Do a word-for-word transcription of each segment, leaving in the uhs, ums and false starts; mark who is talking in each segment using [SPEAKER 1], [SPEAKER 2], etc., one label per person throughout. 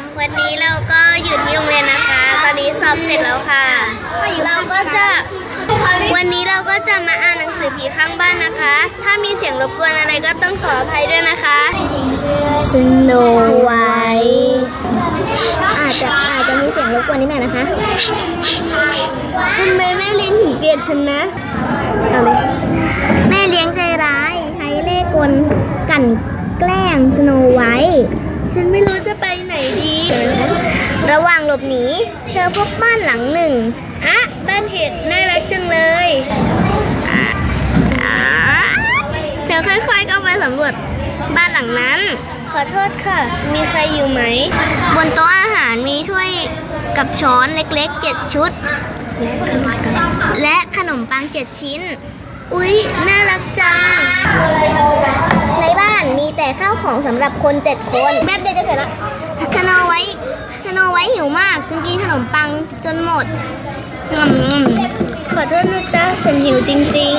[SPEAKER 1] วันนี้เราก็อยู่ที่โรงเรียนนะคะ ตอนนี้สอบเสร็จแล้วค่ะ เราก็จะวันนี้เราก็จะมาอ่านหนังสือผีข้างบ้านนะคะ ถ้ามีเสียงรบกวนอะไรก็ต้องขออภัยด้วยนะคะสโนไวท์อาจจะอาจจะมีเสียงรบกวนนิดหน่อยนะคะทำไมแม่เลี้ยงถึงเกลียดฉันนะเอาเลยแม่เลี้ยงใจร้ายใช้เล่ห์กลกลั่นแกล้งสโนไวท์ฉันไม่รู้จะไปไหนดีระหว่างหลบหนีเธอพบบ้านหลังหนึ่งอ่ะบ้านเห็ดน่ารักจังเลยอ่ะอ่ะเธอค่อยๆเข้าไปสำรวจบ้านหลังนั้นขอโทษค่ะมีใครอยู่ไหมบนโต๊ะอาหารมีถ้วยกับช้อนเล็กๆเจ็ดชุดและขนมปังเจ็ดชิ้นอุ๊ยน่ารักจังในบ้านมีแต่ข้าวของสำหรับคนเจ็ดคนแป๊บเดียวจะเสร็จแล้วสโนไวท์สโนไวท์หิวมากจึงกินขนมปังจนหมดขอโทษนะจ๊ะฉันหิวจริง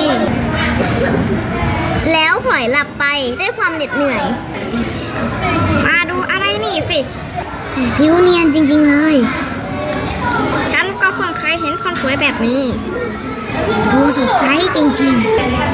[SPEAKER 1] ๆแล้วพลอยหลับไปด้วยความเหน็ดเหนื่อยมาดูอะไรนี่สิผิวเนียนจริงๆเลยฉันก็เพิ่งเคยเห็นคนสวยแบบนี้ดูสดใสจริง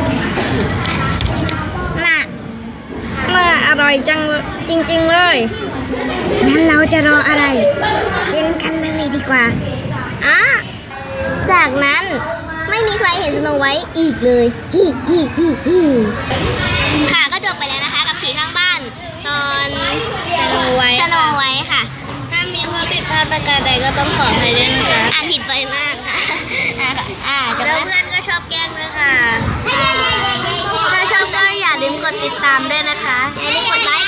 [SPEAKER 1] ๆน่ะน่าอร่อยจังจริงๆเลยงั้นเราจะรออะไรกินกันเลยดีกว่าอ่ะจากนั้นไม่มีใครเห็นสโนไวท์อีกเลยฮิฮิฮิฮิค่ะก็จบไปแล้วนะคะกับผีข้างบ้านตอนสโนไวท์สโนไวท์ค่ะถ้ามีข้อผิดพลาดประการใดก็ต้องขออภัยด้วยนะคะอ่านผิดไปมากค่ะอ่าแล้วเพื่อนก็ชอบแกล้งด้วยค่ะถ้าชอบก็อย่าลืมกดติดตามด้วยนะคะอย่าลืมกดไลค์